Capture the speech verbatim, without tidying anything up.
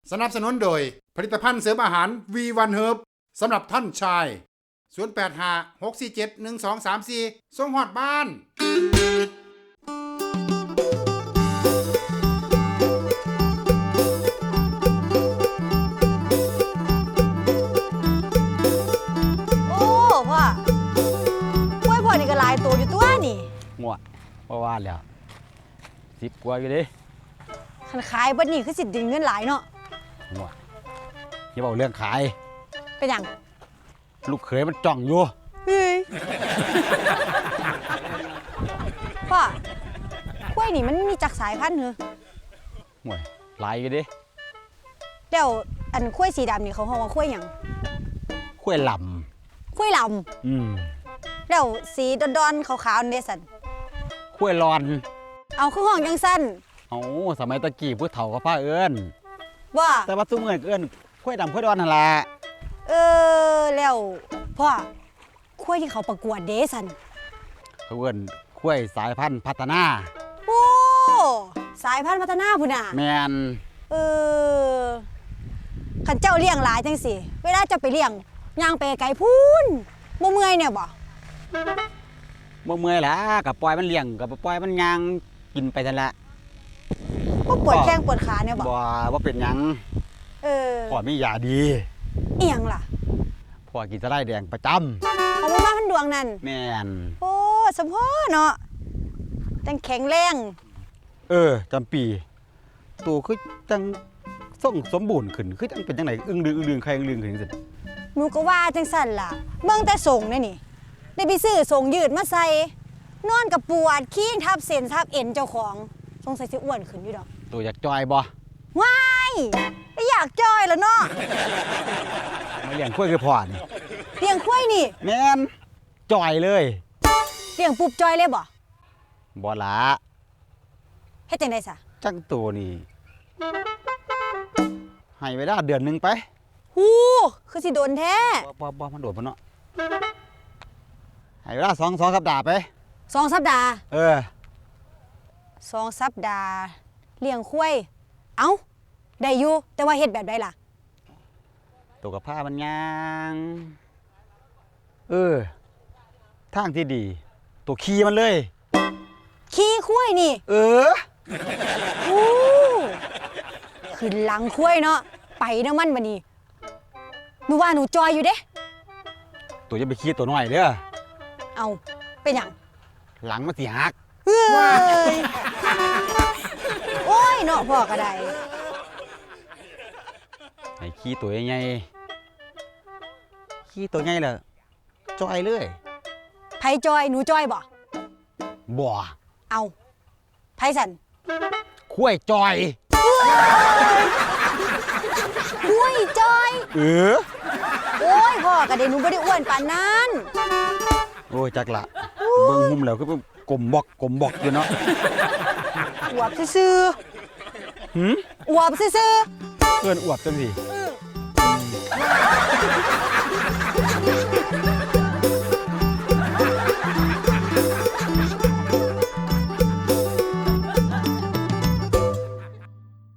สนับสนุนโดยผลิตภัณฑ์เสริมอาหาร วี วัน Herb สำหรับท่านชายศูนย์ แปด ห้า หก สี่ เจ็ด หนึ่ง สอง สาม สี่ส่งฮอดบ้านโอ้พ่อกล้วยพ่อนี่ก็หลายตัวอยู่ตัวนี่งัวว่าว่าแล้วสิบกว่าอยู่เดิคันขายเบัดนี้คือสิไดิเงินหลายเนาะงัวอย่าบอกเรื่องขายเป็นหยังลูกเขยมันจ้องอยู่เฮ้ยพ่อกล้วยนี่มันมีจักสายพันธุ์เหรองัวหลายอยู่เดิแล้วอันกล้วยสีดำนี่เขาเรียกว่ากล้วยหยังข้วยลกล้วยลำอืมำแล้วสีดอนๆขาวๆนี่สั่นข้วยรอนเอาคือห้องจังสั้นเอาสมัยตะกี้ผู้เฒ่าก็พาเอิ้นว่าแต่ว่าซุมื้อเอิ้นข้วยดำข้วยดอนนั่นล่ะเออแล้วพ่อกล้วยที่เขาประกวดเดสันเขาเอิ้นข้วยสายพันธุ์พัฒนาโอ้สายพันธุ์พัฒนาพุ่นน่ะแม่นเออขันเจ้าเลี้ยงหลายจังสิเวลาเจ้าไปเลี้ยงย่างไปไกลพูนบ่เมื่อยเนี่ยบ่บ่เมื่อยล่ะก็ปล่อยมันเลี้ยงก็ปล่อยมันย่างกินไปซั่นละบ่ปวดแข้งปวดขาเนี่ยบ่บ่บ่เป็นหยังเออพ่อมียาดีอีหยังล่ะพ่อกินสะไลด์แดงประจำเอาบ่มาพันดวงนั่นแม่นโอ้สมพอเนาะจังแข็งแรงเออจำปีตัวคือจังส่งสมบูรณ์ขึ้นคือจังเป็นจังไหนอึ้งดึงอึ้งดึงใครอึ้งดึงขึ้นจังซี่หนูก็ว่าจังสั่นล่ะเบิ่งแต่ส่งนี่นี่ได้ไปซื้อส่งยืดมาใส่นอนกับปวดขี้ทับเส้นทับเอ็นเจ้าของสงสัยสิอ้วนขึ้นอยู่ดอกตัวอยากจอยบ่ว้ายไม่อยากจอยแล้วเนาะมาเลี้ยงกล้วยคือพ่อนี่เลี้ยงควายนี่แม่นจอยเลยเลี้ยงปุ๊บจอยเลยบ่บ่ละเฮ็ดจังได๋ซะจังตัวนี่ให้เวลาเดือนหนึงไปหูคือสิโดนแท้บ่บ่บ่มันโดดบ่เนาะให้เวลาสอง สองสัปดาห์ไปสองสัปดาห์เออสองสัปดาห์เลี้ยงควายเอ้าได้อยู่แต่ว่าเฮ็ดแบบใดล่ะตัวกับผ้ามันยางเออทางที่ดี ตัวขี่มันเลยขี่ควายนี่เออหูขึ้นหลังควายเนาะไปนำมันบัดนี้หนูว่าหนูจอยอยู่เด้ตัวจะไปขี่ตัวน้อยเด้อเอาเป็นหยังหลังมันสิหักเฮ้ยโอ้ยเนาะพ่อก็ได้ให้ขี่ตัวใหญ่ๆขี่ตัวใหญ่แล้วจอยเลยไผจอยหนูจอยบ่บ่เอาไผสันคุ้ยจอยอุ้ยจอยเออโอ้ยพ่อก็ได้หนูบ่ได้อ้วนปานนั้นโอ้ยจักละเบิ่งหุ่มแล้วก็กลมบอกกลมบอกอยู่เนาะอวบซื่อหืมๆอวบซื่อเอิ้นอวบจังสิๆอื